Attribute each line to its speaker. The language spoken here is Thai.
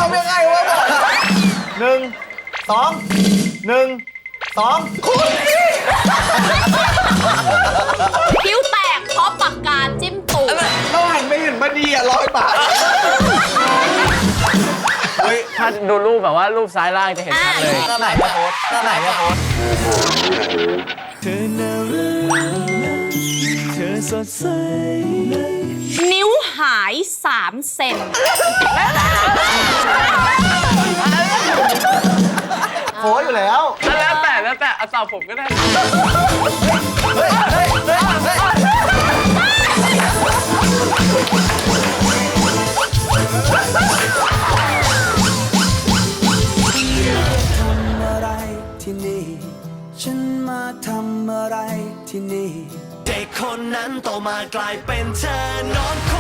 Speaker 1: ำยังไงวะ1 2 1 2คุณพี่
Speaker 2: คิ้วแตกเพราะปากกาจิ้มตูด
Speaker 1: เราหันไปเห็นพอดี100 บาทเฮ้ย
Speaker 3: ถ้าดูรูปแบบว่ารูปซ้ายล่างจะเห็นชัดเลย
Speaker 1: ก็ไหนมาโพสก็ไหนมาโพส
Speaker 4: เธอน่ารักเธอสดใส
Speaker 2: นิ้วหาย3 เซน
Speaker 1: โพสอยู่แล้ว
Speaker 3: แล้วแต่เอาตอบผมก็ได้
Speaker 4: อะไรที่นี่ฉันมาทำอะไรที่นี่เด็กคนนั้นโตมากลายเป็นเธอนอน